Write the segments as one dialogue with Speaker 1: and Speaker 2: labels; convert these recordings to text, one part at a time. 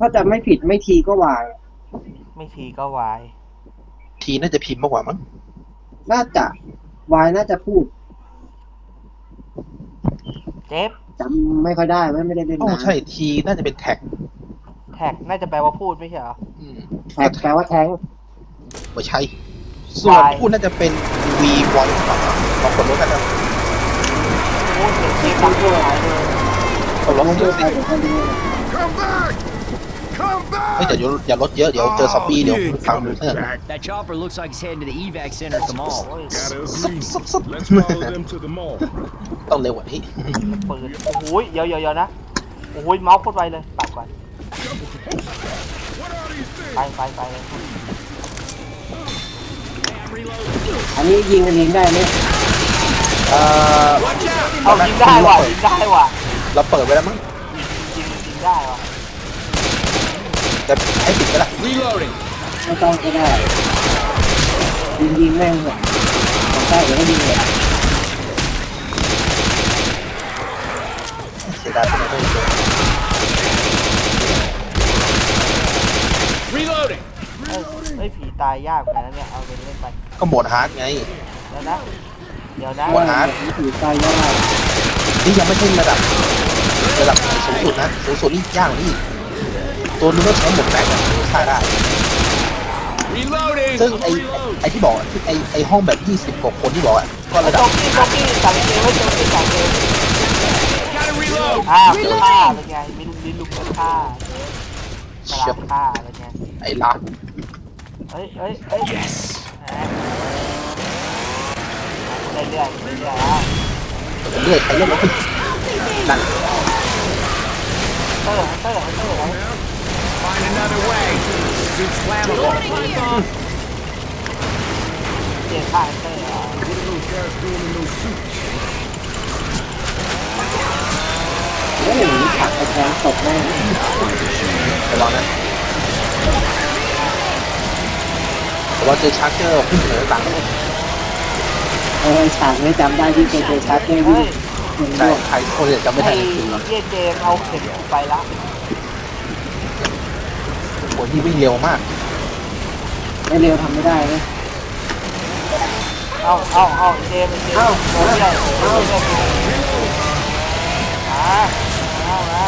Speaker 1: ถ้าจะไม่ผิดไม่ทีก็วาย
Speaker 2: ไม่ทีก็วาย
Speaker 3: ทีน่าจะพิมพ์มากกว่ามั้ง
Speaker 1: น่าจะวายน่าจะพูด
Speaker 2: เจฟ
Speaker 1: จำไม่ค่อยได้ไม่ได้เล่น
Speaker 3: โอ้
Speaker 1: นาน
Speaker 3: ใช่ทีน่าจะเป็นแท็ก
Speaker 2: แท็กน่าจะแปลว่าพูดไม่ใช่เหรอ
Speaker 1: แท็กแปลว่าแท้ง
Speaker 3: ไม่ใช่ส่วน
Speaker 2: Y
Speaker 3: พูดน่าจะเป็น V voice ลองกดลดกันนะ
Speaker 2: โอ้เสียงเจฟดังด้วยหายเลย
Speaker 3: กดลด
Speaker 1: ไม่
Speaker 3: เย
Speaker 1: ได้
Speaker 3: อะสิ
Speaker 1: ใครเป็นคนดี
Speaker 4: Come back! Come
Speaker 3: เฮ้ย
Speaker 4: back!
Speaker 3: อย่าลดเยอะเดี๋ยวเจอซอมบี้เดี๋ยว
Speaker 4: You ain't
Speaker 3: ฟังดู
Speaker 4: coming
Speaker 3: เพื่อน
Speaker 4: back.
Speaker 5: That chopper looks like it's heading to the evac center at the mall.
Speaker 4: Gotta
Speaker 3: Sup,
Speaker 4: agree.
Speaker 3: sup, sup.
Speaker 4: Let's follow them to the mall.
Speaker 3: ต้องเร็วกว่านี้
Speaker 2: ปืนโอ้โหเดี๋ยวนะโอ้โหเมาส์โคตรไวเลยปัดก่อน
Speaker 4: What are these things?
Speaker 2: ไปเลย
Speaker 1: อันนี้ยิงกันเองได้ไหม
Speaker 2: เอายิงได้ว่ะยิงได้ว่ะ
Speaker 3: เราเปิดไว้แล้วมั้ง
Speaker 2: ยิงได้ว่ะ
Speaker 3: จะให้ปิดไปละ
Speaker 5: Reloading.
Speaker 1: ไม่ต้องก็ได้ยิงแม่งเลยของใต้เดี๋ยวก็ยิงเลย
Speaker 3: เสียดายที่ไม่ได้เลย
Speaker 5: Reloading.
Speaker 2: เฮ้ยผีตายยากเหมือนกันนะเนี่ยเอาไปเล่นไป
Speaker 3: ก็โหมดฮาร์ดไง
Speaker 2: เดี๋ยวนะ
Speaker 3: หัวหา
Speaker 1: นี่ถือใจยาก
Speaker 3: นี่ยังไม่ใช่ระดับสูงสุดนะสูงสุดนี่ยากกว่านี่ตัวนึงก็ใช้หมดแม็กซ์ฆ่าได้
Speaker 5: Reloading.
Speaker 3: ซึ่งไอที่บอกไอห้องแบบ20กว่าคนที่บอกอ่ะก็ระดับ
Speaker 2: โจ๊กกี้สั่งเกมไว้โจ๊กกี้สั่งเกม
Speaker 5: Gotta reload.
Speaker 2: ฆ่าเป็นไงมีลูกลิ้นลูกกระฆ่าฉลาดฆ่าเป็นไง
Speaker 3: ไอรัก
Speaker 2: เฮ้ย yes เรื่อยแล้ว
Speaker 3: เรื่อยใครเล่นแล้วนั่น
Speaker 2: เตอร์
Speaker 5: Find another way. Suit's flammable.
Speaker 2: เจียฆ่าเตอร์
Speaker 4: What are those guys doing in those suits?
Speaker 1: โอ้โหผักไอ้แทงตกแม่ง
Speaker 3: ระวังนะระวังเจอชาร์เจอร์ขึ้นเหนือต่าง
Speaker 1: ฉากนี้จำได้ที่เจชาร์เจอร์วิ่งยิง
Speaker 3: ใช่
Speaker 1: ด้วย
Speaker 3: ใครคนจะจำไม่
Speaker 2: ไอ้
Speaker 3: ได้จริงๆ
Speaker 2: เยี่ยเจมเอาเข็มไปละ
Speaker 3: คนที่วิ่งเร็วมาก
Speaker 1: ไม่เร็วทำไม่ได้นะ
Speaker 2: เอาเจมโดนใหญ่มา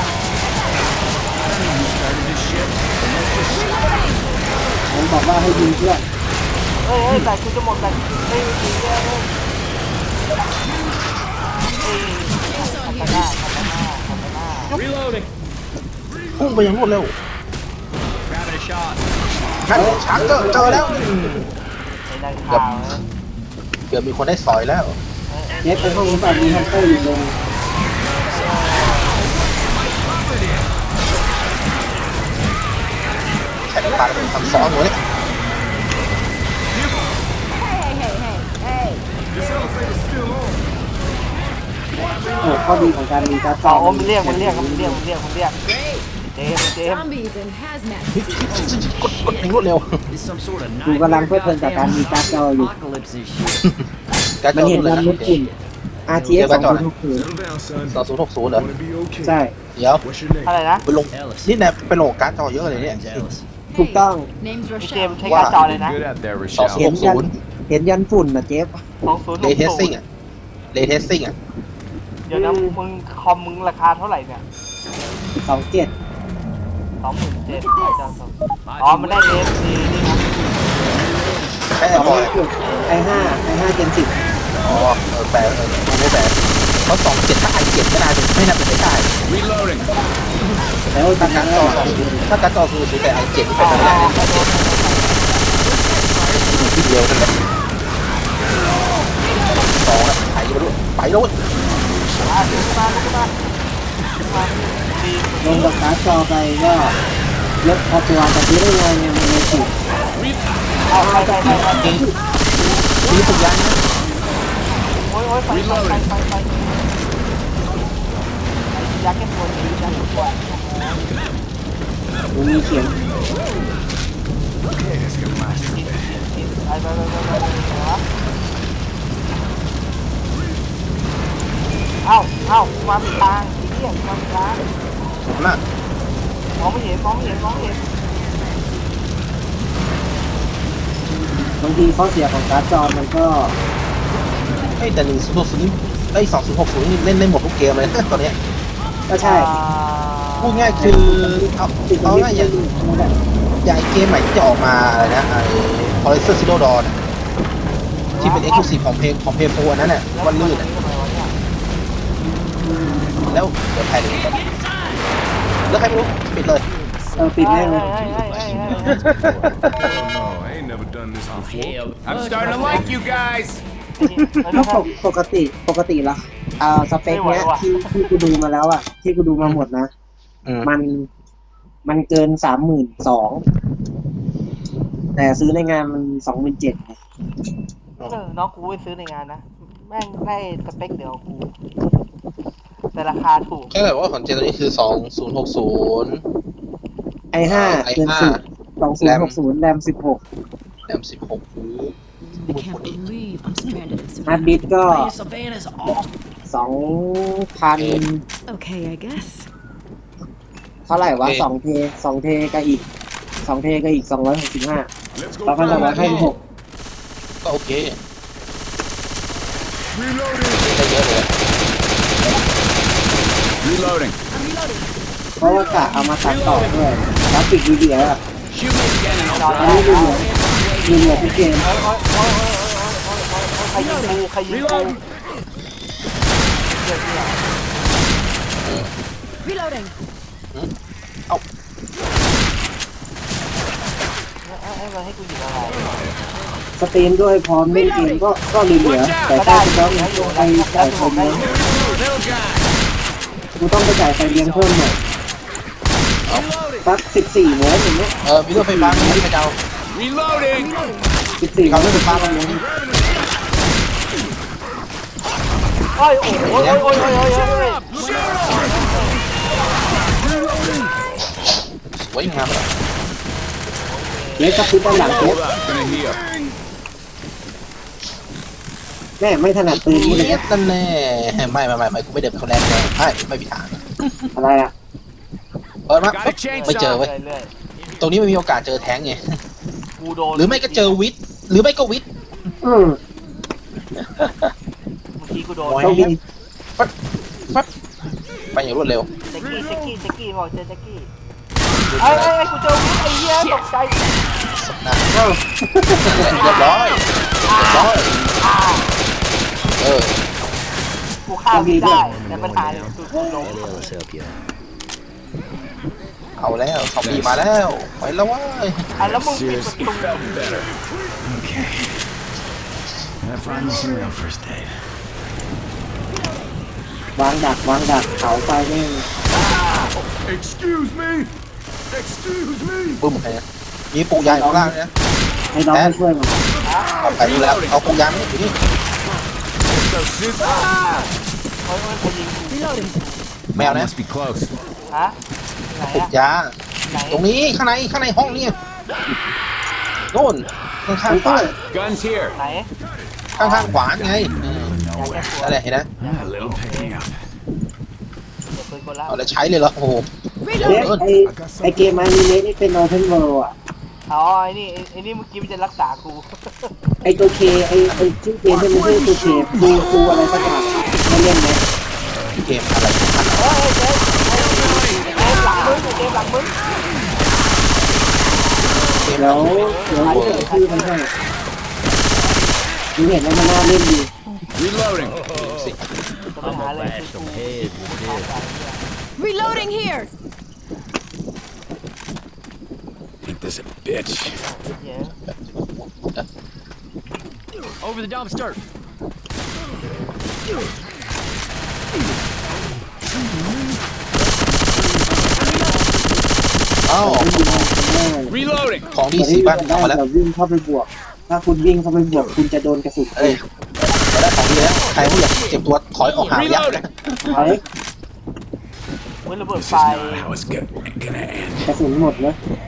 Speaker 1: ผมบอกว่าให้ยิงเพื่อน
Speaker 2: เฮ้ยแต่คุณจะหมดแต่เฮ้ยยิงเลยคาตาน่า
Speaker 5: Reloading.
Speaker 3: พุ่งไปอย่างรวดเร็ว
Speaker 5: Grabbing a shot.
Speaker 3: นั่นชาร์เจอร์เจอแล้ว
Speaker 2: ไอ้นายข่าว
Speaker 3: เกือบมีคนได้สอยแล้ว
Speaker 1: เน็ตไปห้องนี้แบบมีฮันเตอร์อยู่ลง
Speaker 3: แข่งปาเป็นทำซ้อนเลย
Speaker 4: This elevator's still on.
Speaker 1: โอ้ข้อดีของการมีการ์ดจ
Speaker 2: อ๋
Speaker 1: อ
Speaker 2: อมันเรียกเจม
Speaker 6: Zombies and hazmat suits.
Speaker 3: กดอย่างรวดเร็ว
Speaker 5: This some sort of
Speaker 1: ดูกำลังเพลิดเพลินจากการมีการ์ดจออยู่
Speaker 5: apocalypse this shit.
Speaker 3: การจ
Speaker 1: มัน
Speaker 3: อ
Speaker 1: เห็น
Speaker 3: เลย
Speaker 1: วัน
Speaker 3: นะ
Speaker 1: มุดอุ่น RTS 2060
Speaker 4: Settle down, son.
Speaker 3: 2060เหรอ
Speaker 4: Gonna be okay.
Speaker 1: ใช่
Speaker 3: เดี๋ยว
Speaker 4: What's your name?
Speaker 2: อะไรนะ
Speaker 3: ไปลงนี่แนบไปลงการจอเยอะเลยเนี่ย
Speaker 5: Name's Alice.
Speaker 1: ถูกต้อง
Speaker 6: Name's
Speaker 2: เจม
Speaker 6: Rochelle.
Speaker 2: ใช้การจอเลยนะ
Speaker 4: Good at that,
Speaker 1: เห็นยัน
Speaker 3: 2060
Speaker 1: เห็นยันฝุ่นนะเจฟ
Speaker 3: เลเทสซิ่งอ่ะเลเทสซิ่งอ่ะ
Speaker 2: เดี๋ยวนะมึงคอมมึงราคาเท่าไหร่เนี่ย
Speaker 1: 27
Speaker 2: 27,000อ๋อมันได้เอฟซีนี่นะ
Speaker 3: แค่บอย
Speaker 1: i5 Gen
Speaker 3: อ๋อแปลไม่แปลเขา27ถ้าi7ไม่น่าเป็นไปได้
Speaker 5: Reloading.
Speaker 1: 10แล้ว
Speaker 3: ถ้าการจอถ้าการจอคือแต่i7ที่เป็นไปไม่ได้ที่เร็วนั่นแหละสองอ่ะไปแล้ว
Speaker 1: ลงกับการ์ดจอไปก็ลดพอตัวแต่ที่ได้ไงเนี่ยมันเลยถูก
Speaker 3: มีสัญญาณนะ
Speaker 2: โอ้ยไปยักษ์แค่ตัวนี้ยักษ์ตัว
Speaker 1: มีเสียง
Speaker 2: เอ้ามาเป็นทางเที่ยงมาเป็นทาง
Speaker 3: ถูกนะ
Speaker 2: มองไม่เห็นมองไม่เห็นมองไม่เห็น
Speaker 1: บางทีข้อเสียของการ์ดจอมันก็
Speaker 3: ไอ้แต่1060นี่ไอ้2060นี่เล่นหมดทุกเกมเลย ตอนเนี้ย
Speaker 1: ก็ใช่
Speaker 3: พูดง่ายคือเอาง่ายอย่าง
Speaker 1: นั่นแหละ
Speaker 3: อย่างไอ้เกมใหม่ที่จะออกมาอะไรนะไอ้ Horizon Zero Dawn อะที่เป็น Exclusive ของเพย์โฟนั้นน่ะวันลื่นอะแล้วเดี๋ยวใครเลยแล้วใครไม่รู้ปิดเลย
Speaker 1: ปิดแน่เลย
Speaker 4: Hell no, I ain't never done this before.
Speaker 5: Hell,
Speaker 4: I'm starting to like you guys.
Speaker 1: ก็ปกติละสเปคเนี้ยที่กูดูมาแล้วอ่ะที่กูดูมาหมดนะ มันเกิน32,000แต่ซื้อในงานมัน27,000
Speaker 2: น้องกูไปซื้อในงานนะแม่งได้สเปคเดียวกูแต่ราคาถูก
Speaker 3: ก็แบบว่าของเจนตัวนี้คือ2060
Speaker 1: i5 เกิน2060แรม16
Speaker 3: แรม16หรือ
Speaker 6: I can't believe I'm stranded in
Speaker 1: ฮาร์ด
Speaker 6: Savannah.
Speaker 1: ดิสก์ก็
Speaker 5: Savannah's awesome.
Speaker 1: 2,000
Speaker 6: Okay, I guess.
Speaker 1: เท่าไหร่วะ2 เทก็อีก265
Speaker 4: Let's go
Speaker 1: 2,256
Speaker 3: ก็โอเค
Speaker 4: Reloading.
Speaker 3: ได้เยอะเลย
Speaker 4: Reloading.
Speaker 1: เพราะว่ากะเอามาตัดต่อด้วยกราฟิกดีๆอ่ะ
Speaker 5: Shoot me again and
Speaker 2: นอน
Speaker 1: อัน
Speaker 2: ได้
Speaker 1: นี้ดูเหลือทุกเกม
Speaker 2: ใครยิงกูใครยิงกู
Speaker 6: Reloading.
Speaker 2: ให้มันให้กูยิงอะไร
Speaker 1: สตรีมด้วยพร้อมเล่นเกมก็เหลือแต่ถ้าจะต้องไปจ่ายไฟเลี้ยง
Speaker 4: Little guy.
Speaker 1: กูต้องไปจ่ายไฟเลี้ยงเพิ่มหน่อยสัก14 โวลต์อย่างเงี้ย
Speaker 3: มีรถไฟฟ้าไหมไปเดา
Speaker 4: Reloading.
Speaker 1: 14 โวลต์ไฟฟ้ามาเลี้ยง
Speaker 2: โอ้ยโอ้ยโอ้ยโอ้ยโอ้ยโอ้ย
Speaker 3: สวยงามเลย
Speaker 1: เล็กกับพุทด้านหลังเจ็บ
Speaker 4: Gonna heal.
Speaker 1: แม่ไม่ถนัดปืนนี่เลย
Speaker 3: เย็ดนั่นแน่ไม่กูไม่เดินเขาแรงแรงไม่มีทาง
Speaker 1: อะไรอ่ะ
Speaker 3: เปิดมา
Speaker 4: Got a
Speaker 3: ไม่เจอ
Speaker 4: chainsaw.
Speaker 3: เว้ย
Speaker 2: เรื่อย
Speaker 3: ตรงนี้ไม่มีโอกาสเจอแท้งไง
Speaker 2: ๆกูโดน
Speaker 3: หรือไม่ก็เจอวิทหรือไม่ก็วิท
Speaker 2: เมื่อกี้กูโดน
Speaker 1: ต้องมี
Speaker 3: ไปอย่างรวดเร็ว
Speaker 2: แจ็คกี้บอกเจอแจ็คกี้ไอ้กูเจอวิทไอ้เหี้ยตกใจ
Speaker 3: สบหน้าเรียบร้อย
Speaker 2: กูฆ่าวิทได้แต่ปัญหาคือกูล้ม
Speaker 3: เอาแล้วซอมบี้มาแล้วไปแล้วว้ย
Speaker 2: แล้วมึงปิดประ
Speaker 4: Seriously
Speaker 2: ตู
Speaker 4: felt better.
Speaker 5: Okay. I find me some real first aid.
Speaker 1: วางดักเขาไฟแม่ง
Speaker 4: Excuse me. Excuse me.
Speaker 3: ปุ้มไปนะมีปูยางอยู่ข้างล่างนะ
Speaker 1: ให้น้องมาช่วยมัน
Speaker 3: เอาไปดูแล้วเอาปูยางนี่อยู่นี่
Speaker 4: So sis.
Speaker 2: เฮ้ยใครยิงกู
Speaker 6: Reloading.
Speaker 3: แมวนะ
Speaker 4: Must be close.
Speaker 2: ฮะไหน
Speaker 3: ปู
Speaker 2: อะ
Speaker 3: ยาง
Speaker 2: ไหน
Speaker 3: ตรงนี้ข้างในห้องนี่โน่นข้างขวา
Speaker 4: Guns here.
Speaker 2: ไหน
Speaker 3: ข้างขวาไง
Speaker 2: อยากแก้ตัว
Speaker 3: อะไรเห็นนะ
Speaker 4: A little picking up.
Speaker 2: เดี๋ยวปืนคนละ
Speaker 3: เอาแล้วใช้เลยเหรอโอ้โห
Speaker 1: เล็กไอเกมอันนี้เล็กนี่เป็นโอเพนเวิลด์อ่ะ
Speaker 2: อ๋อไอ้นี่เมื่อกี้มันจะรักษากู
Speaker 1: ไอตัวเคไอชื่อเกมที่มันชื่อตัวเคฟูอะไรสักอย่างไม่เล่นไหม
Speaker 3: เกมอะไร
Speaker 2: เฮ้ยเจ๊หลังมึงเจ๊หลังมึง
Speaker 1: แล้วเดี๋ยวชื่อมันให้ดูเห็นแล้วมันน่าเล่นดี
Speaker 4: Reloading.
Speaker 2: ปัญหาเลยคือกู
Speaker 6: Reloading here.
Speaker 4: Ain't this a bitch?
Speaker 2: เย้
Speaker 5: Over the dumpster.
Speaker 3: อ้าว
Speaker 4: Reloading.
Speaker 3: ของดี
Speaker 1: แต่
Speaker 3: สี
Speaker 1: ที่
Speaker 3: บ้าน
Speaker 1: ได้
Speaker 3: เอามาแล้ว
Speaker 1: เราวิ่งเข้าไปบวก ถ้าคุณวิ่งเข้าไปบวกคุณจะโดนกระสุน
Speaker 3: เอ้ยเราได้ของดีแล้วใครผู้อยากเจ็บตัวถอยออกห่างยับนะ
Speaker 1: เฮ้ย
Speaker 2: เว้ยระเบิด
Speaker 4: This
Speaker 2: ไฟ
Speaker 4: is not how it's gonna end.
Speaker 1: กระสุนหมดเลย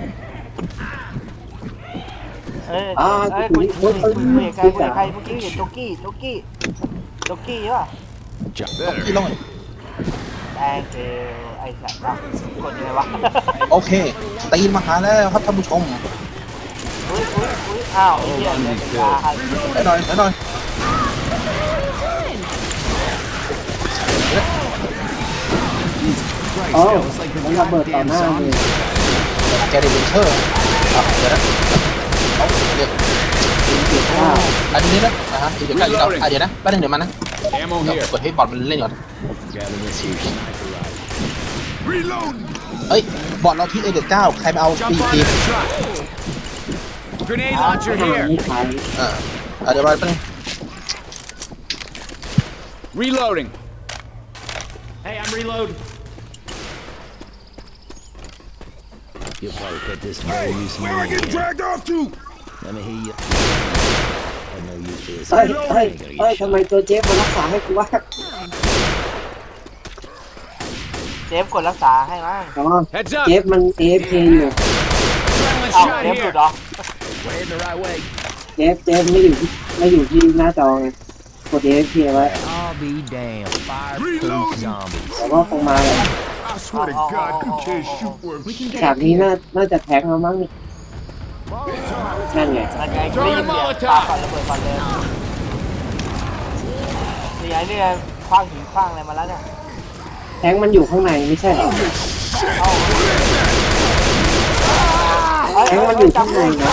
Speaker 2: เอ้ยกูเห็นใครเมื่อกี้เห็นโจกี้ใช่ป่ะ
Speaker 4: Better.
Speaker 3: พี่ลง
Speaker 2: แองเจลไอ้สัตว์วะกดยังไงวะ
Speaker 3: โอเคตีนมาหาแล้วครับท่านผู้ชม
Speaker 2: อุ้ยอ้าวไอ้เหี้ยเนี่ยเป็นยาอะไร
Speaker 3: ไปหน่อยไปหน่อย
Speaker 1: โอ้มันระเบิดต่อหน้าเลย
Speaker 3: แกเดวินเชอร์เดี๋ยวนะเอาเดี๋ยว
Speaker 1: เจ็บมาก
Speaker 3: อันนี้นะฮะเดี๋ยวกันเดี๋ยวนะแป๊บนึงเดี๋ยวมานะ
Speaker 4: Ammo
Speaker 3: เดี๋ยว
Speaker 4: here.
Speaker 3: กดให้บอลมันเล่นก่อน
Speaker 5: Gather this here sniper rifle.
Speaker 4: Reload.
Speaker 3: เอ้ยบอลเราที่เก้าใครมาเอา
Speaker 4: Jump
Speaker 3: ตี
Speaker 4: on
Speaker 3: ตี
Speaker 4: that truck. Grenade launcher
Speaker 1: ไม่
Speaker 4: here.
Speaker 1: ใช่
Speaker 3: เดี๋ยวมาแป๊บนึง
Speaker 4: Reloading.
Speaker 5: Hey, I'm reloading. You'll probably put this very use
Speaker 4: Where I get dragged off to?
Speaker 5: Let me hear you. I know you feel
Speaker 1: เฮ้ยทำไมตัวเจฟมารักษาให้กูวะ
Speaker 2: เจฟกดรักษาให้มั้ง
Speaker 1: อ๋อ
Speaker 4: Heads up.
Speaker 1: เจฟมัน AFK อยู่
Speaker 4: Adrenaline
Speaker 2: เอ้า
Speaker 4: shot
Speaker 2: เจฟหลุ
Speaker 4: here.
Speaker 2: ดเหรอ
Speaker 5: we're heading the right way.
Speaker 1: เจฟไม่อยู่ที่หน้าจอไงกด AFK ไว้
Speaker 5: I'll be damned. Fireproof zombies.
Speaker 1: แต่ว่าคงมาเลย
Speaker 4: I swear to God, you can't shoot worth
Speaker 6: We can
Speaker 1: ฉาก
Speaker 6: get
Speaker 1: นี้
Speaker 6: up here.
Speaker 1: น่าจะแท็กเรามั้งนี่นั่นไง
Speaker 2: นั่นไงได้ยินเสียงปาก่อนระเบิดก่อนเลยนี่ไงนี่ไงคว้างหินคว้างอะไรมาแล้วเนี่ย
Speaker 1: แท็กมันอยู่ข้างในไม่ใช่เหรอ แท็กมันอยู่ข้างในนะ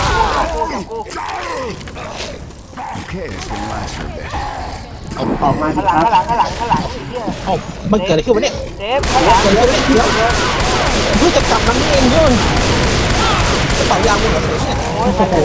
Speaker 5: Okay, this can last for a bit.
Speaker 1: ออกมาสิ
Speaker 2: ข้างหลัง
Speaker 1: ครับ
Speaker 2: ข้างหลังไอ้เหี้ย
Speaker 3: เอ้ามันเกิดอะไรขึ้นวะเนี่ย
Speaker 2: เจฟข้างหลัง
Speaker 3: เกิดอะไรขึ้นเนี่ยเพิ่งจะกลับมานี่เองด้วยกระเป๋ายางมึงเหรอเนี่ย
Speaker 2: โอ้ย
Speaker 3: โอ้โห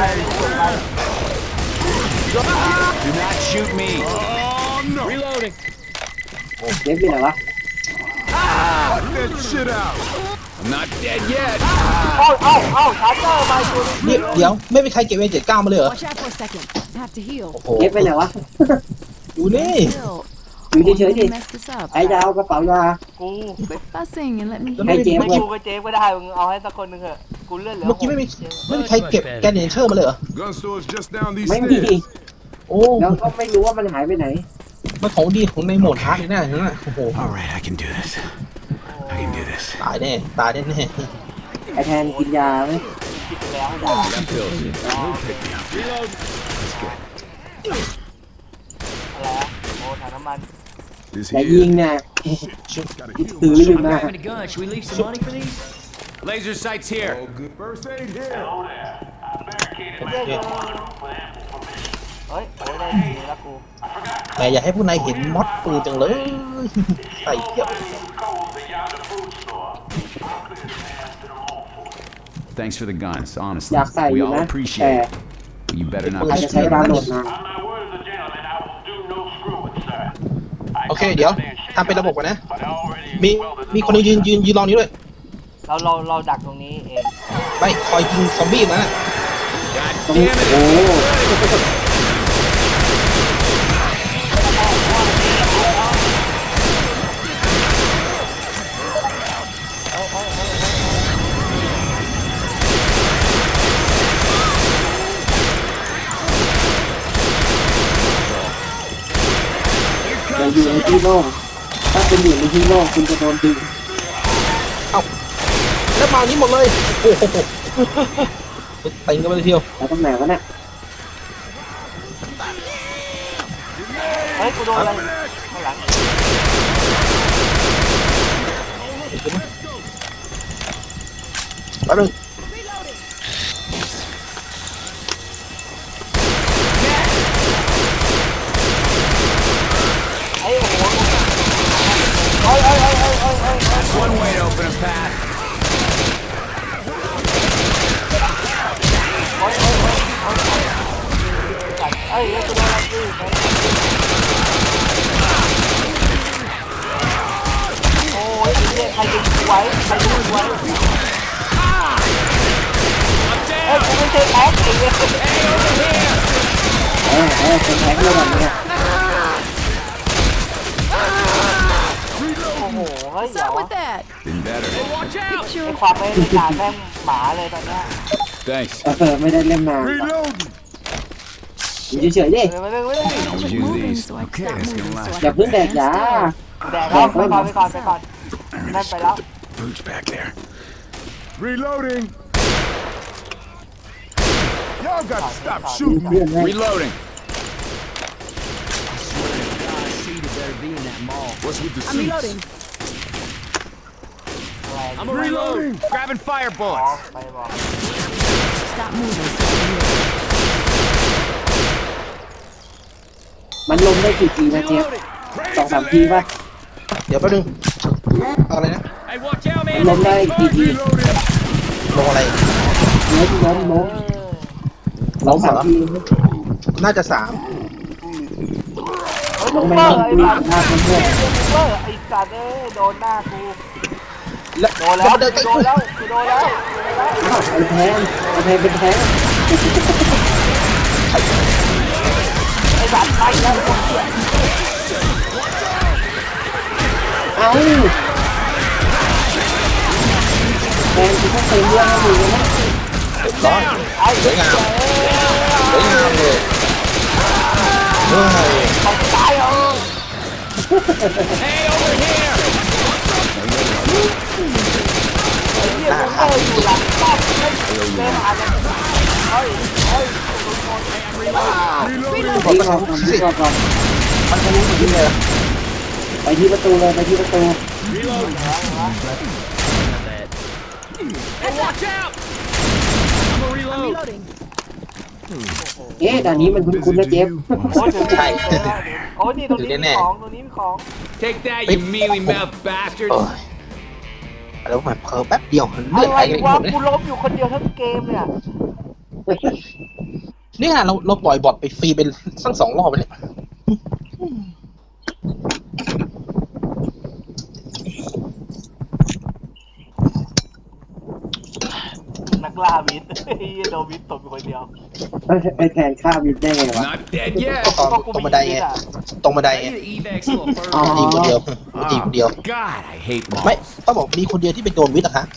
Speaker 4: Do not shoot me. Oh no. Reloading.
Speaker 1: เจฟเป็นไรวะ
Speaker 4: Knock that shit out. I'm not dead yet.
Speaker 2: เอ้าชาร์เจอร์มาตัวนึง
Speaker 3: เดี๋ยวไม่มีใครเก็บ79มาเลยเหรอ
Speaker 6: Watch out for a second. I have to heal.
Speaker 3: โอ้โห
Speaker 1: เจฟเป็นไรวะ
Speaker 3: ดูนี่
Speaker 6: Still,
Speaker 1: อยู่เฉยๆดิ
Speaker 6: mess this up.
Speaker 1: ไอ้ยาวกระเป๋ายา
Speaker 2: กู
Speaker 6: Quit fussing and let me
Speaker 3: แล้ว
Speaker 6: heal.
Speaker 3: ไม่
Speaker 1: เจฟ
Speaker 2: ไม่กูกับเจฟก็ได้มึงเอาให้สักคนนึงเถอะกูเลื่อนเหลือ
Speaker 3: เมื่อกี้ไม่มีใครเก็บแกนเนเชอร์มาเลยเหรอ
Speaker 4: Gun store's just down these
Speaker 1: ไม่มี
Speaker 4: stairs.
Speaker 3: โอ้
Speaker 1: แล้วก็ไม่รู้ว่ามันหายไปไหน
Speaker 3: มันของดีของในโหมดฮาร์ดเลยนะนั่นน่ะโอ้โห
Speaker 5: All right, I can do this. I can do this.
Speaker 3: ตายแน่ตายแน่
Speaker 1: ไอแทนกินยาไหม
Speaker 2: คิดไปแล้วด่า
Speaker 4: Got pills here. Reload.
Speaker 2: อะไรอะโอ้ถังน้ำมัน
Speaker 4: This
Speaker 1: แต่ยิง
Speaker 4: here.
Speaker 1: เนี่ย
Speaker 4: Gotta
Speaker 1: ถือ
Speaker 4: heal.
Speaker 1: อยู่นะ
Speaker 5: Grabbing a gun. Should we leave some money for these?
Speaker 4: Laser sights here. Oh, good. First aid here.
Speaker 2: เฮ้ยโอ้ยได้ดีแล้วกู
Speaker 3: ๆแต่อย่าให้ผู้นายเห็นม็อดปืนจังเลย ใส่เที่ยว
Speaker 5: Thanks for the guns. Honestly,
Speaker 1: อยากใส่อ
Speaker 5: we
Speaker 1: ยู่
Speaker 5: all
Speaker 1: นะ
Speaker 5: appreciate
Speaker 1: แต่
Speaker 5: it. But you better not
Speaker 1: อาจ
Speaker 5: be
Speaker 1: จะใช้
Speaker 5: screwed.
Speaker 1: ดาวน์โหลดมา
Speaker 3: โอเคเดี๋ยวทำเป็นระบบก่อนนะ มีคนยืนรอนี้ด้วย
Speaker 2: เราดักตรงนี้เอง
Speaker 3: ไม่คอยยิงซอมบี้นะ
Speaker 4: God
Speaker 1: ตรงนี้
Speaker 4: damn it.
Speaker 1: โอ้ อย่าอยู่ในที่โล่งถ้าคุณอยู่ในที่โล่งคุณจะโดนดึง
Speaker 3: แล้วมานี้หมดเลยโอ้โหติงกันไปเลยทีเดียว
Speaker 1: แล้วตรงไหนวะเนี่ย
Speaker 2: เฮ้ยกูโดนอะไรข้างหลัง
Speaker 3: แป๊บนึง
Speaker 2: ไอ้โอ้โหเฮ้ย
Speaker 4: One way to open a path.
Speaker 2: เฮ้ยกูโดนอะไรดิโอ้ยไอ้เนี่ยใครดึงกูไว้ใครดึงกูไว้เฮ้ยกูไม่ใช่แอ๊กไอ้เนี่ย
Speaker 1: เป็นแท็กเลยแบบนี้
Speaker 2: โอ้โหเฮ้ย
Speaker 6: What's
Speaker 2: เดี๋ยว
Speaker 6: up with that?
Speaker 5: Been better.
Speaker 6: Picture
Speaker 2: ไอ้ความไม่ได้ด่าแม่งหมาเลยตอนเนี้ย
Speaker 4: Thanks.
Speaker 1: ไม่ได้เล่นนาน
Speaker 4: Reload.
Speaker 1: อยู่เฉยๆดิ
Speaker 2: ไม่ได้
Speaker 5: I'll
Speaker 6: Quit
Speaker 5: use
Speaker 6: moving
Speaker 5: these.
Speaker 6: so I can
Speaker 5: Okay,
Speaker 6: stop
Speaker 5: this can
Speaker 6: moving so
Speaker 5: last.
Speaker 6: I
Speaker 1: อย่า
Speaker 6: can
Speaker 1: เพิ่งแดก
Speaker 6: stand
Speaker 1: ยา
Speaker 6: still.
Speaker 2: แดกแล้วไปก่อนนั่นไปแล้ว
Speaker 5: Boots back there.
Speaker 4: Reloading. Y'all got to stop
Speaker 1: มี
Speaker 4: shooting.
Speaker 1: เพื่อนให้
Speaker 4: Reloading. What's with the
Speaker 6: I'm
Speaker 4: suits?
Speaker 6: reloading.
Speaker 2: อะไร
Speaker 4: I'm reloading. Grabbing fire
Speaker 2: อ๋อ
Speaker 4: bullets.
Speaker 2: ไปบอก
Speaker 6: Stop moving. So I can heal.
Speaker 1: มันลงได้กี่ทีนะเจฟ 2-3 ทีป่ะ
Speaker 3: เดี๋ยวแป๊บนึงอะไรนะ
Speaker 4: Hey, watch out,
Speaker 1: มันลงได้กี่ที
Speaker 4: Reloading.
Speaker 3: ลงอะไร
Speaker 1: ล้ม
Speaker 3: ล้มเหรอ
Speaker 1: 3 ที
Speaker 3: น่าจะ3
Speaker 2: เฮ้ย
Speaker 1: ล
Speaker 2: ลู
Speaker 1: ง
Speaker 2: ก
Speaker 1: ไป
Speaker 2: เบอ
Speaker 1: ล
Speaker 2: ร์
Speaker 1: ง
Speaker 2: ไอ้
Speaker 1: ดู
Speaker 2: สัตว์
Speaker 1: หน้าเพื่อน
Speaker 2: ลูกเบอร์ไอ้สัตว์โดนหน้ากู
Speaker 3: แล้ว
Speaker 2: โดนแล้ว
Speaker 3: เดิน
Speaker 2: โดนแล้วโดนแล้ว
Speaker 1: อ้าวไอ้แทนเป็นแทน
Speaker 2: ไอ้สัตว์ไปแล้วคนเดียว
Speaker 1: เอ้าแทนกูต้องเติมเรื่องให้ดูนะ
Speaker 3: เรียบร้อย
Speaker 2: ไอ้
Speaker 3: สวยงามสวยงามเลยเฮ้ย
Speaker 2: เขาตายเหรอ
Speaker 4: Hey, over here.
Speaker 2: ไอ้เหี้ยลูกเบอร์อยู่หลังป้อมเล่นอะไรเฮ้ย
Speaker 1: ไปก่อนมันจะรู้อยู่ที่เลยไปที่ประตูเลย
Speaker 4: Hey, watch out. I'm a reload.
Speaker 6: Reloading.
Speaker 1: เอ๊ะด่านนี้มันคุ้นๆนะเจฟ
Speaker 2: โอ้ยเดี๋ยวโอ้ยนี่ตรงนี้มีของตรงนี้มีของ
Speaker 4: Take that, you mealy mouth bastard.
Speaker 3: โอ้ยแล้วมันเพิ่มแป๊บเดียวเลือด
Speaker 2: อะ
Speaker 3: ไห
Speaker 2: ไร
Speaker 3: ลกันห
Speaker 2: วะ
Speaker 3: มดเลย
Speaker 2: กูล้มอยู่คนเดียวทั้งเกมเนี่ย
Speaker 3: เนี่ยเราปล่อยบอทไปฟรีเป็นสัก2 รอบไปเลย
Speaker 2: นักล่าวิทย์โดนวิทย์ตบอยู่คนเดียว
Speaker 1: ไอ้แทนฆ่าวินได้ไงวะ
Speaker 4: Not dead yet.
Speaker 3: ตอนตรงบันไดไงตรงบันไดไง
Speaker 4: Evac little bird.
Speaker 1: อ๋อ
Speaker 3: ยิงคนเดียวยิงคนเดียว
Speaker 4: God, I hate
Speaker 3: ไม่
Speaker 4: malls.
Speaker 3: ต้องบอกมีคนเดียวที่เป็นโดนวิทย์อะคะ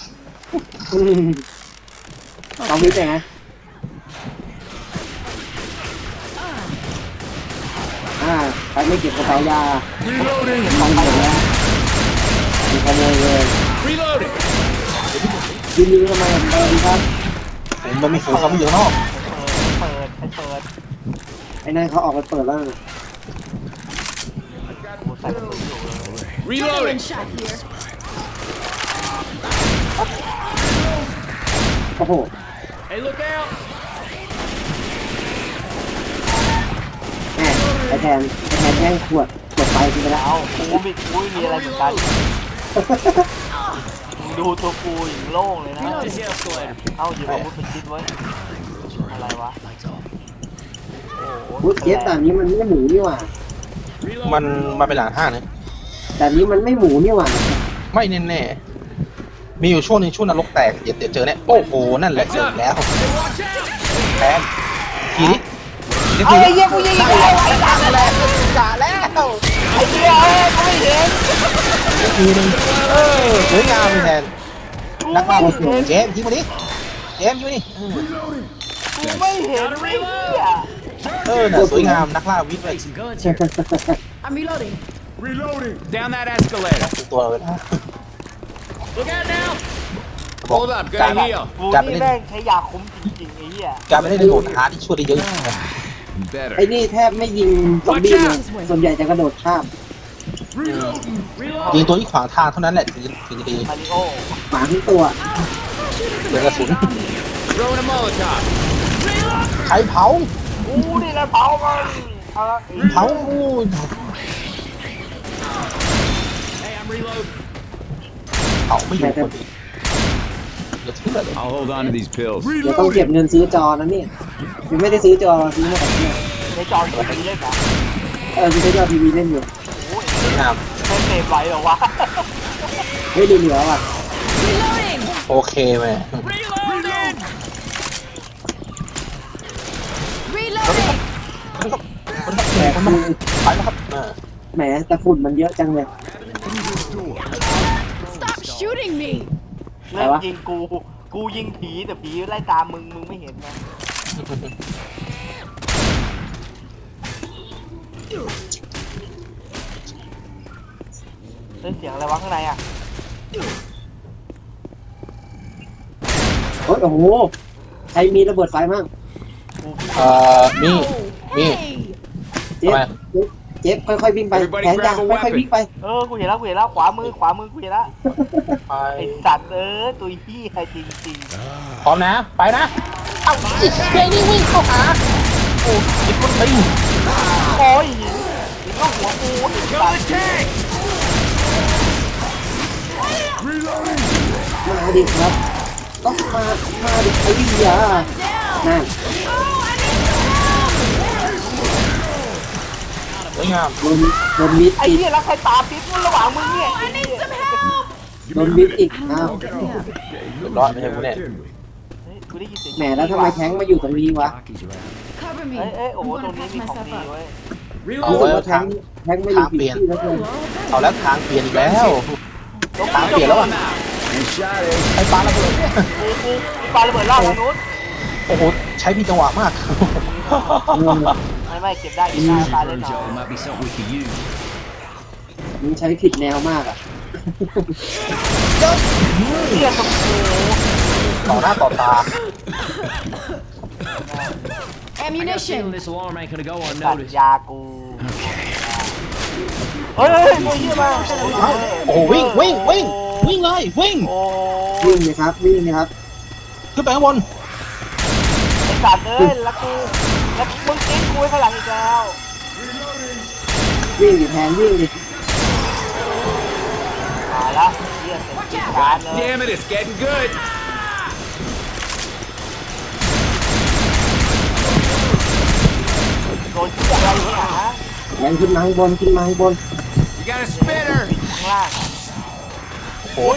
Speaker 1: ต้องวิทย์ไงใครไม่เก็บกระเป๋ายา
Speaker 4: Reloading.
Speaker 1: ของหมดแล้วมีขโมยเลย
Speaker 4: Reloading.
Speaker 1: ยืนทำไมครับ
Speaker 3: มันมีฝูงเขาไม่อยู่ข้างนอก
Speaker 2: เปิด
Speaker 1: ไอ้นั่นเขาออกไปเปิดแล้ว
Speaker 2: กูใส่กระสุนอยู่เลย
Speaker 4: Reloading.
Speaker 6: Adrenaline shot here.
Speaker 1: โอ้โห
Speaker 4: Hey, look out.
Speaker 1: แม่ไอ้แทนแย่งขวดไฟกินไปแล้ว
Speaker 2: เอากูไม่มีอะไรเหมือนกันดูตัวกูอย่างโล่งเลยนะ เอาหยิบอาวุธเป็นชิ้นไว้อะไรวะโอ้โห
Speaker 1: พูดเย็ดด่านนี้มันไม่หมูนี่หว่า
Speaker 3: มันมาเป็นหลังห้างนะ
Speaker 1: ด่านนี้มันไม่หมูนี่หว่า
Speaker 3: ไม่แน่ๆมีอยู่ช่วงนึงช่วงนรกแตกเดี๋ยวเจอเนี่ยโอ้โหนั่นแหละเจอแล้ว
Speaker 4: Hey, watch out.
Speaker 3: แทนทีนี้
Speaker 2: เอาไอ้เหี้ยกูยิง
Speaker 3: ได้
Speaker 2: อีก
Speaker 3: แล้
Speaker 2: แล้ว ว
Speaker 3: แล้วจ่าแล้ว
Speaker 2: ไอ้เหี้ยกูไม่เห็น
Speaker 3: ทีนึงสวยงามเลยแทน
Speaker 2: กู
Speaker 3: นัก
Speaker 2: ไม่
Speaker 3: ล่า
Speaker 2: เห็น
Speaker 3: เจมส์ทิ้งมาดิเจมส์ทิ้งมาดิ
Speaker 2: กูไม่เห็นไอ้เหี้ย
Speaker 3: น่ะสวยงามนักล่าวิทย์เลย
Speaker 6: I'm reloading.
Speaker 4: Reloading. Down that escalator.
Speaker 3: ตัวเลยนะ
Speaker 4: Look out now. Hold up,
Speaker 3: การ
Speaker 4: gonna heal.
Speaker 2: กูนี่แม่งใช้ยาคุ้มจริงๆไอ้เหี้ย
Speaker 3: การไม่ได้โหลดหาที่ช่วยได้เยอะ
Speaker 4: Better.
Speaker 1: ไอ้นี่แทบไม่ยิงซอมบี้เลยส่วนใหญ่จะกระโดดข้าม
Speaker 4: Reloading.
Speaker 3: ยิงตัวที่ขวางทางเท่านั้นแหละถึงจะดี
Speaker 2: มาริโอ
Speaker 1: หมาทั้งตัว
Speaker 3: เดือกระสุน
Speaker 4: Throwing a Molotov.
Speaker 3: ใครเผา
Speaker 2: กูนี่แหละเผามันเอาละ
Speaker 3: เผา
Speaker 4: Hey, I'm reloading.
Speaker 3: เผาไม่อยู่คนเดียวเดี๋ยวทิ้งเลย
Speaker 4: I'll hold on to these pills.
Speaker 1: เดี๋ยวต้องเก็บเงินซื้อจอนะเนี่ยยังไม่ได้ซื้อจอซื้อมาแบบนี้
Speaker 2: ในจอกูมีเล่นนะ
Speaker 1: มีใช้จอทีวีเล่นอยู่
Speaker 2: โอ้ย
Speaker 3: สวยงาม
Speaker 2: ไม่เสพไหวเหรอวะ
Speaker 1: เฮ้ยเหลือว่ะ
Speaker 6: Reloading.
Speaker 3: โอเคไหม
Speaker 4: Reloading.
Speaker 6: Reloading.
Speaker 1: แต่คือ
Speaker 3: ไปแล้วครับ
Speaker 1: แหมแต่ฝุ่นมันเยอะจังเลย
Speaker 6: Stop shooting me.
Speaker 2: เริ่มยิงกูยิงผีแต่ผีไล่ตามมึงไม่เห็นไง
Speaker 3: เ
Speaker 2: เล่นเสียงอะไรวะข้างในอ่ะ
Speaker 1: โอ้โหใครมีระเบิดไฟมั่ง
Speaker 3: นี่
Speaker 6: Hey.
Speaker 1: เจ๊เจ๊ค่อยๆวิ่งไปแขนยาวค่อยๆวิ่งไป
Speaker 2: กูเห็นแล้วขวามือกูเห็นแล้ว
Speaker 3: ไป
Speaker 2: ไอ้สัตว์ตัวพี่ไอ้จริง
Speaker 3: พร้อมนะ ไปนะ เอ้าไอ้เฮ้ยนี่วิ่งเข้าหา โอ้ยิงคนตี
Speaker 2: ๆโอ้ยหินก็หัวกูไอ้สัตว์
Speaker 1: มาดิครับต้องมาดิไอ้วิญญานั่น
Speaker 3: สวยงาม
Speaker 1: โดนมิด
Speaker 2: ไอ้
Speaker 1: อีก
Speaker 2: เหี้ยแล้วใครตาปิ๊บระหว่างมึงเนี่ย
Speaker 1: โดนมิดอีกอ้าว
Speaker 3: เรียบร้อยไม่ใช่กูแน่
Speaker 2: เฮ้ยกูได้ยินเสียง
Speaker 1: แหมแล้วทำไมแท้งมาอยู่ตรงนี้วะ
Speaker 6: Cover me.
Speaker 2: เอ้ยโอ้โห
Speaker 6: I'm
Speaker 2: ตรง
Speaker 6: gonna
Speaker 2: นี้
Speaker 6: patch
Speaker 2: มีของ
Speaker 6: myself
Speaker 2: ดี
Speaker 6: up.
Speaker 2: เว้ย
Speaker 1: รู้สึกว่าแท้งมาอยู่ผิดที่แล้วเลย
Speaker 3: เอาแล้วทางเปลี่ยนอีกแล้วทางเปลี่ยนแล้วอ่ะ
Speaker 4: And shot it.
Speaker 3: ไอ้ปลาระเบิดเนี่ย
Speaker 2: กูปาระเบิดล่าทางนู้น
Speaker 3: โอ้โห ใช้ผิดจังหวะมาก
Speaker 2: ไม่เก็บได้ปาเล่นหน่อย
Speaker 5: Joe, might be something we could use.
Speaker 1: มึงใช้ผิดแนวมากอ่ะ
Speaker 2: เหี้ยสมโภ
Speaker 3: ต่อหน้าต่อตา
Speaker 6: Ammunition.
Speaker 5: This alarm ain't gonna go
Speaker 2: ตัด
Speaker 5: unnoticed.
Speaker 2: ยากูเฮ้ยตัวเหี้ยมา
Speaker 3: โอ้โหวิ่งเลยวิ่ง
Speaker 2: โอ้
Speaker 1: วิ่งเลยครับวิ่งเลยครับ
Speaker 3: ขึ้นไปข้างบน
Speaker 2: ไอ้สัตว์แล้วมึงทิ้งกูไว้ข้างหลังอีกแล้ว
Speaker 1: วิ่งดิแทนวิ่งดิ
Speaker 2: มาละเหี้ยเสร็จการเลย
Speaker 4: Damn it, it's getting good.
Speaker 2: โดนที่อะไรอยู่ข้างหลังฮะ
Speaker 1: แรงขึ้นมาข้างบนขึ้นมาข้างบน
Speaker 4: You got a spinner.
Speaker 2: ข้างล่างโอ้ย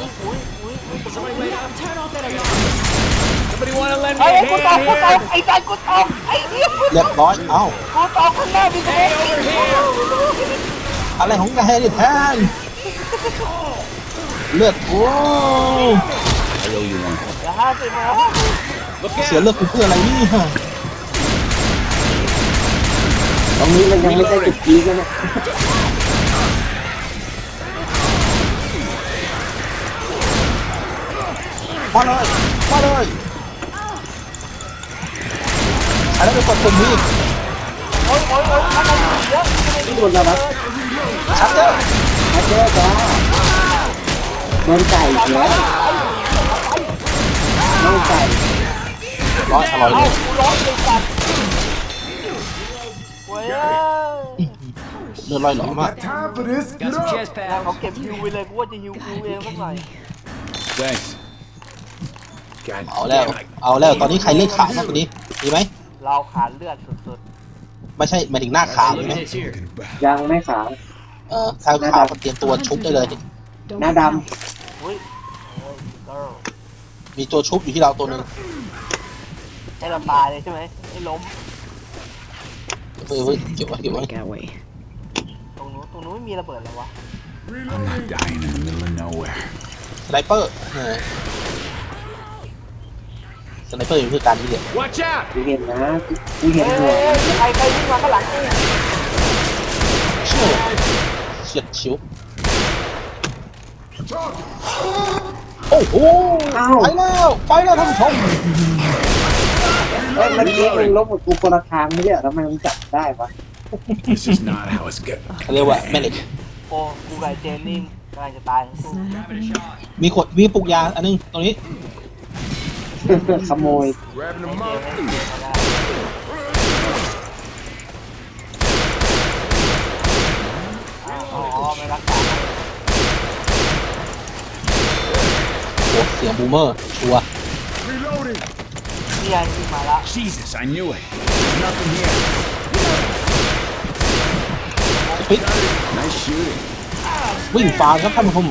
Speaker 6: Turn off that alarm.
Speaker 4: Somebody want to lend me
Speaker 2: ไอ้
Speaker 4: a
Speaker 2: กูตก
Speaker 4: hand here?
Speaker 2: ไอ้ใจกูตกไอ้เหี้ย
Speaker 3: เรียบร้อย เอ้า
Speaker 2: กูตกข้างหน้าพี่เต้
Speaker 3: อะไรของแกเนี่ยแทน เลือดโอ้
Speaker 4: I owe you one.
Speaker 2: อย่า50มา
Speaker 4: Look
Speaker 3: เสีย
Speaker 4: out.
Speaker 3: เลือดกูเพื่ออะไรนี่ฮะ
Speaker 1: ตรงนี้มันยังไม่ใช่จุดพีคนะเนี่ย
Speaker 3: มาเลยใช้แล้วไปกดปุ่มนี้
Speaker 2: โอ้ยข้างในเยอะ
Speaker 1: ที่โดนแล้วครับ
Speaker 3: ชัดเจอ
Speaker 1: มาเจอจ้าโดนไก่อีกแล้วน้องไก่
Speaker 3: ร้อยอร่อยเลย
Speaker 2: กูร้อนเลยสัตว์เว้ย
Speaker 3: เลือดลอยหล่อมาก
Speaker 4: Time for this.
Speaker 5: Got some chest
Speaker 2: เขา
Speaker 5: pads.
Speaker 2: เก็บฮิวไปเลยกูว่าจะฮิวกูเองสักหน่อย
Speaker 4: Thanks. God
Speaker 3: เอาแล้ว ตอนนี้ใครเลือดขาวมากกว่านี้ดีไหม
Speaker 2: เราขาดเลือดสุด
Speaker 3: ไม่ใช่หมายถึงหน้าขาวใช่
Speaker 5: Look
Speaker 3: ไหม
Speaker 5: at this here.
Speaker 1: ยังไม่ขาว
Speaker 3: ถ้าขาวก็เตรียมตัวชุบได้เลย
Speaker 1: หน้าด
Speaker 2: ๆอุ้ยเกิร์ล
Speaker 3: มีตัวชุบอยู่ที่เราตัวหนึ่ง
Speaker 2: ให้เราตายเลยใช่ไหมให้ล้ม
Speaker 3: เฮ้ยเก็บไว้
Speaker 5: That way.
Speaker 2: ตรงนู้นไม่มีระเบิดเลยวะ
Speaker 4: I'm not dying in the middle of nowhere.
Speaker 3: สไนเปอร์สไนเปอร์อยู่คือการที่เดียว
Speaker 4: Watch out.
Speaker 1: ำกูเห็นนะกูเห็นหัว
Speaker 2: ใครวิ่งมาข้างหลังกู
Speaker 3: เชี่ยวเฉียดชิวโอ้โหไปแล้วท่านผู้ชม
Speaker 1: เอ้ยมันเลี้ยงมึงลบกับกูคนละทางไม่ใช่เหรอทำไมมึงจับได้วะ
Speaker 4: This is not how it's good.
Speaker 3: เขาเรียกว่าแม่เหล็ก
Speaker 2: โอ้กูกับเจนนี่กำลังจะตายทั้งคู่
Speaker 3: มีปลูกยาอันนึงตรงนี้
Speaker 1: ขโมย
Speaker 4: Grabbing
Speaker 2: เจ
Speaker 4: them
Speaker 2: น
Speaker 4: up.
Speaker 2: อ๋อไม่รักษา
Speaker 3: โอ้เสียงบูมเมอร์ชัวร์
Speaker 4: Reloading.
Speaker 2: นี่ไงวิ่งมาแล้ว
Speaker 4: Jesus, I knew it. There's nothing here.
Speaker 3: ปิ๊ก
Speaker 4: Nice shooting.
Speaker 3: วิ่งฟาครับท่านผู้ชม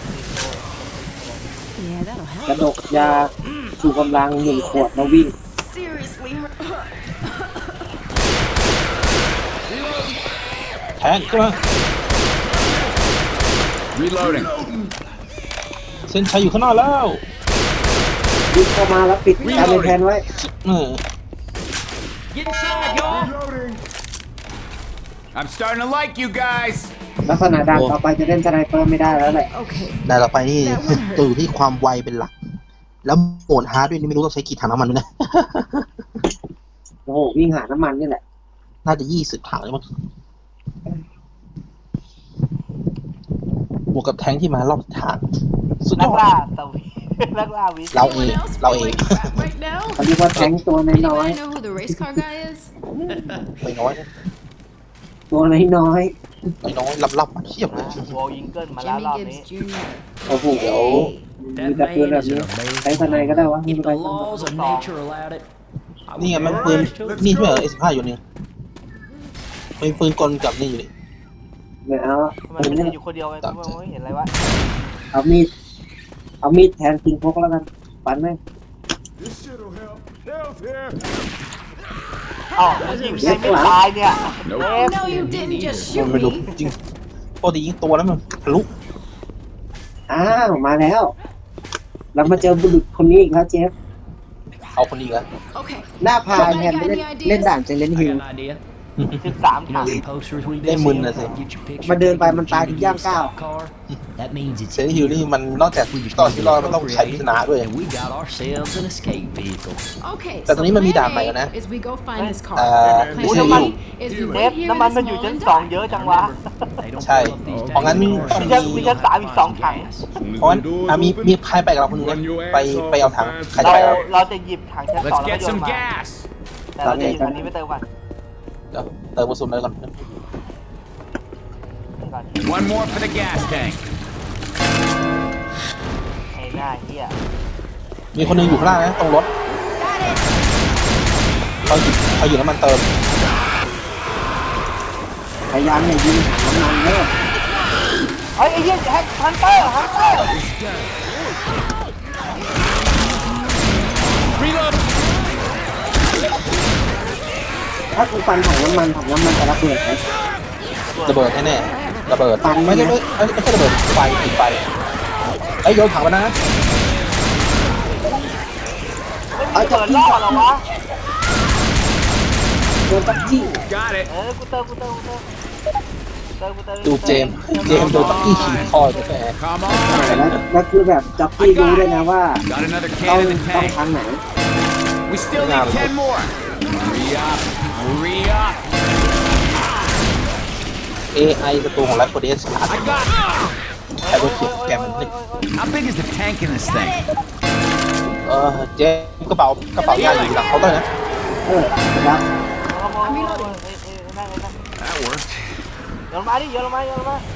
Speaker 6: Yeah, that'll help.
Speaker 1: กระดกยาชูกำลัง1 ขวดแล้ววิ่ง
Speaker 6: Seriously.
Speaker 3: แทงขึ้นมา
Speaker 4: Reloading.
Speaker 3: เส้นชัยอยู่ข้างหน้าแล้ว
Speaker 1: วิ่งเข้ามาแล้วปิดการเลยแทนไว้
Speaker 5: Get inside, y'all.
Speaker 4: Reloading. I'm starting to like you guys.
Speaker 1: ลักษณะด่านต่อไปจะเล่นสไนเปอร์ไม่ได้แล้วแหละ
Speaker 6: Okay.
Speaker 3: แต่ต่อไปนี่จะอยู่ที่ความไวเป็นหลัก แล้วโหมดฮาร์ดด้วยนี่ไม่รู้ต้องใช้กี่ถังน้ำมันด้วยนะ
Speaker 1: โอ้โหวิ่งหาน้ำมันนี่แหละ
Speaker 3: น่าจะ20 ถังเลยมั้งบวกกับแทงค์ที่มารอบทางสุดย
Speaker 2: นั
Speaker 3: อก ด
Speaker 2: ล่าสวีนักล่าวิส
Speaker 3: เราเอง
Speaker 6: Anyone else
Speaker 3: เรา
Speaker 6: feel
Speaker 3: เอง
Speaker 6: like crap right now?
Speaker 1: เขาเรียกว่าแทงค์ตัวน้อย
Speaker 6: Anybody know who the race car guy is?
Speaker 3: ไม่น้อยนะ
Speaker 1: ๆตัวน้อย
Speaker 3: ไม่น้อยลับๆเทียบเลย
Speaker 2: วอลยิงเกิลมาแล้ว
Speaker 6: Jimmy
Speaker 2: รอบนี้
Speaker 6: Gibbs Jr.
Speaker 1: ๆโอ้โห
Speaker 6: Hey.
Speaker 1: มีแต่ปืนแบบนี้ใช้สไนก็ได้วะไม่
Speaker 5: If
Speaker 1: ไป
Speaker 5: the laws of nature allowed it. I
Speaker 3: นี่ไง
Speaker 5: would
Speaker 3: มัน
Speaker 5: never
Speaker 3: ปืน
Speaker 5: rush to
Speaker 3: นี่
Speaker 5: its
Speaker 3: ใช่ไหม
Speaker 5: goal.
Speaker 3: S15 อยู่นี่เป็นปืนกลกับนี่อยู่นี่
Speaker 1: ไม่เอา
Speaker 2: มันไม่ได้อยู่คนเดียวไงกูไม่เห็นอะไรวะ
Speaker 1: เอามีดแทนกินพกแล้วกันปันไหม
Speaker 4: This shit'll help. Help here.
Speaker 2: อ้าวยิงใครไม่ตายเนี่ยเอฟ
Speaker 6: No, you didn't just
Speaker 3: มัน
Speaker 6: shoot
Speaker 3: ไม่รู้
Speaker 6: me.
Speaker 3: จริงปกติยิงตัวแล้วมันทะลุ
Speaker 1: อ้าวมาแล้วเรามาเจอบุรุษคนนี้อีกแล้วเจฟ
Speaker 3: เอาคนนี้กัน
Speaker 6: Okay.
Speaker 1: หน้าพาแทนไปเล่นด่านเจเลน
Speaker 5: I
Speaker 1: ฮิล
Speaker 5: got an idea.
Speaker 2: 13
Speaker 5: You
Speaker 2: ถั
Speaker 5: know
Speaker 2: ง
Speaker 5: the posters we
Speaker 3: They
Speaker 5: did?
Speaker 3: wouldn't have said.
Speaker 5: Get your picture
Speaker 1: มาเดินไป
Speaker 5: taken
Speaker 1: มัน
Speaker 5: with
Speaker 1: ตาย
Speaker 5: Jimmy
Speaker 1: ที่ย่าง
Speaker 5: Gibbs'
Speaker 1: ก้าว
Speaker 5: stock car. That means it's
Speaker 3: เซนฮิลนี่มันนอกจากตอนที่รอดมันต้องใช้พิจารณาด้วย
Speaker 5: and we got ourselves an escape vehicle.
Speaker 6: Okay.
Speaker 3: แต่ตอนนี้มันมีด่านใหม่แล้วนะ
Speaker 6: is we go find this car.
Speaker 3: ไม่
Speaker 2: อู้
Speaker 3: ใช่
Speaker 2: น้ำมัน
Speaker 6: is
Speaker 2: เซ
Speaker 6: we
Speaker 2: ฟ
Speaker 6: wait here
Speaker 2: น้ำมัน
Speaker 6: in
Speaker 2: มัน
Speaker 6: this
Speaker 2: อยู่
Speaker 6: mall
Speaker 2: ชั้น
Speaker 6: and
Speaker 2: สอง
Speaker 6: die.
Speaker 2: เยอะจังวะ
Speaker 5: They don't
Speaker 3: ใช่
Speaker 5: fill up these
Speaker 3: เพราะงั้น
Speaker 5: tanks
Speaker 3: ต้อง
Speaker 5: with
Speaker 2: มีชั้น 3 อีก 2 ถัง
Speaker 5: gas.
Speaker 3: เพราะงั้นมีใครไปกับเราคนนึงนะไปเอาถังใครจะ
Speaker 2: เรา
Speaker 3: ไปกับเรา
Speaker 2: เราจะหยิบถังชั้น 2
Speaker 4: Let's
Speaker 2: แล้วก็
Speaker 4: get
Speaker 2: โยน
Speaker 4: some
Speaker 2: มา
Speaker 4: gas.
Speaker 2: แต่เราจะหยิบถังนี้ไปเติมก่อน
Speaker 3: เดี๋ยวเติมกระสุนเลยก่อน
Speaker 4: One more for the gas tank.
Speaker 2: ไอ้หน้าเหี้ย
Speaker 3: มีคนนึงอยู่ข้างล่างนะตรงรถ
Speaker 6: Got it.
Speaker 3: เขาหยิบน้ำมันเติม
Speaker 1: พยายามอย่ายิงถังน้ำมันเนอะ
Speaker 2: เฮ้ยไอ้เหี้ยฮันเตอร์
Speaker 4: Reload.
Speaker 1: ถ้ากูฟันถังน้ำมันจะระเบิดไหม
Speaker 3: ระเบิดแน่ๆระเบิด
Speaker 1: ปั่น
Speaker 3: ไม่ใช่ระเบิดไฟติดไฟไอ้ยโยนถังมานะ
Speaker 2: ไม่มีเปิดล่อเหรอวะ
Speaker 1: โดนตักจี้
Speaker 4: Got it.
Speaker 2: กูเติม
Speaker 3: ดูเจมส์โดนตักกี้ขี่คอไปแฝง
Speaker 4: Come
Speaker 1: แล้ว
Speaker 4: on.
Speaker 1: คือแบบจ็อกกี้รู้ด้วยนะว่า
Speaker 4: Got another
Speaker 1: ต้อง
Speaker 4: can in the
Speaker 1: ต้อง
Speaker 4: tank.
Speaker 1: ทางไหน
Speaker 4: We still need 10 more. Hurry up. Hurry up.
Speaker 3: AI ศัตรูของไลฟ์โคเดส
Speaker 4: I got.
Speaker 3: ใครก็เขียนแกมันนี่
Speaker 4: How big is the tank in this thing?
Speaker 3: เจมส์กระเป๋ายาอยู่หลังเขาน์เตอร์นะ
Speaker 1: ครับ
Speaker 4: That worked.
Speaker 2: โยนมาดิโยนมา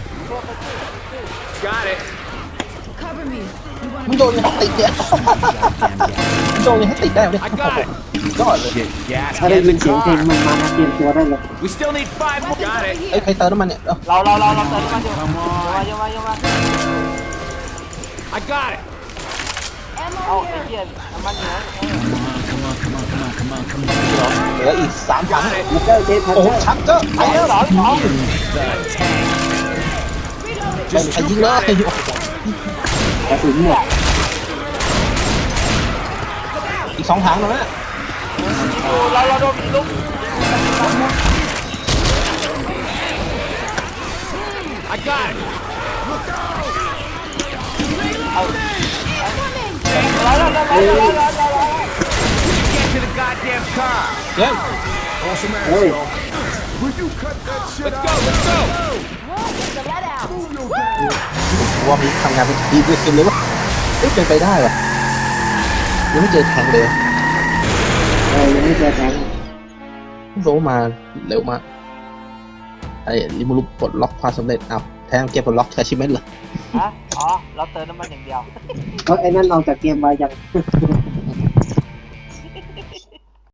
Speaker 4: Got it.
Speaker 6: Cover me. You want
Speaker 3: มึงโดนยังไงติดเนี่ยมึงโดนยังไงติดได้ไหม
Speaker 4: I got it.
Speaker 3: ยอดเลย
Speaker 4: Shit, gas
Speaker 1: ถ้าได้
Speaker 4: in
Speaker 1: ยิน
Speaker 4: the
Speaker 1: เสียงเพลง
Speaker 4: car.
Speaker 1: มันมาเตรียมตัวได้เลย
Speaker 4: We still need 5 more. Got it.
Speaker 3: เอ้ยใครเติมน้ำมันเนี่ย
Speaker 2: เราเติมน้ำมันอยู่โยนมา
Speaker 4: I got it.
Speaker 2: เอาไอ้เหี้ยน้ำมันเหนือ
Speaker 5: Come on.
Speaker 3: เหลืออีก3 ถัง
Speaker 1: มาเจอเจพัน
Speaker 3: โอ้โห
Speaker 1: เจอร์
Speaker 3: ชักเจอไปแล้ว
Speaker 2: สอง
Speaker 4: The tank.
Speaker 3: ไม่มีใครยิงเลย
Speaker 1: กระสุนหมด
Speaker 3: อีก2 ถังแล้วนะ
Speaker 2: เราโดนมีลุก
Speaker 4: I got it.
Speaker 2: เรา
Speaker 4: Get to the goddamn car.
Speaker 3: เจมส์
Speaker 1: เฮ้ย
Speaker 4: Let's go. Let's go.
Speaker 3: ว่ามีทำงานเป็นทีมด้วยกันเลยว่าเป็นไปได้เหรอยังไม่เจอแทงเลย
Speaker 1: ยังไม่เจอแทง
Speaker 3: โซมาเร็วมากไอ้ลิมูรุปลดล็อกความสำเร็จอ้าวแทงเก็บปลดล็อกแคชชิเมนต์เลย
Speaker 2: ฮะอ๋อเราเติมน้ำมันอย่างเดียว
Speaker 1: ก็ไอ้นั่นออกจากเกมมายัง